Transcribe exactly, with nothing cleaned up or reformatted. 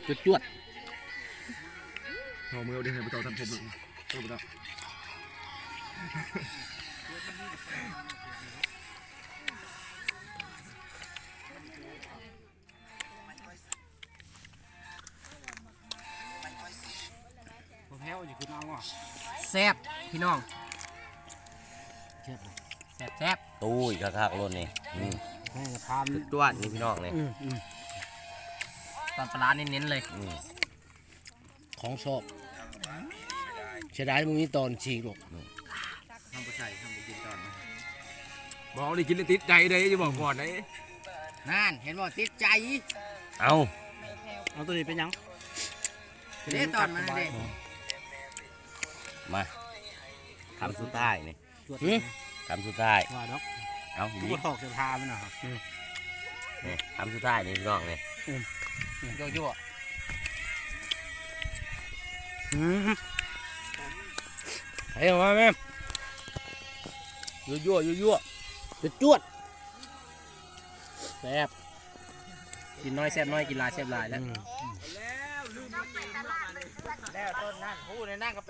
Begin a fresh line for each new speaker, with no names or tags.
จุดจวด
หอมมือเดี๋ยวให้ไปต่อทำผมต่อไปต่อ
แพ้วอยู่คือน้องอ่ะแซ่บพี่น้องแซ่บแซ่บแซ่บ
ตู้อีกคักๆรถนี่อืม
ให้กระทาน
ตัวนี่พี่น้องนี่
ตอนปลาเน้นๆเลย
อืม
ของชอบเสียดายมึงนี่ตอนฉีกหรอก
ทำไปใส่ทำไปกินตอนบอกเลยกินเลยติดใจเลยจะบอกก่อนนะ
นั่นเห็นบ่ติดใจ
เอา
เอาตัวนี้เป็นยัง
เด้ตอนมันเด้
มาคำสุดท้ายนี่
หือ
คำสุดท้าย
ว่าดอก
เอา
กู
ดี
ก็ถอกจะพามันนะครับ
นี่คำสุดท้ายนี่พี่น้องนี่
โยโย่
เฮ้ยมาแม่ยั่วยั่วยั่วจะจวดแซ่บ
กินน้อยแซ่บน้อยกินหลายแซ่บหลายแล้ว
อืม
แล้วต้นนั่นพูดในนั่งกับ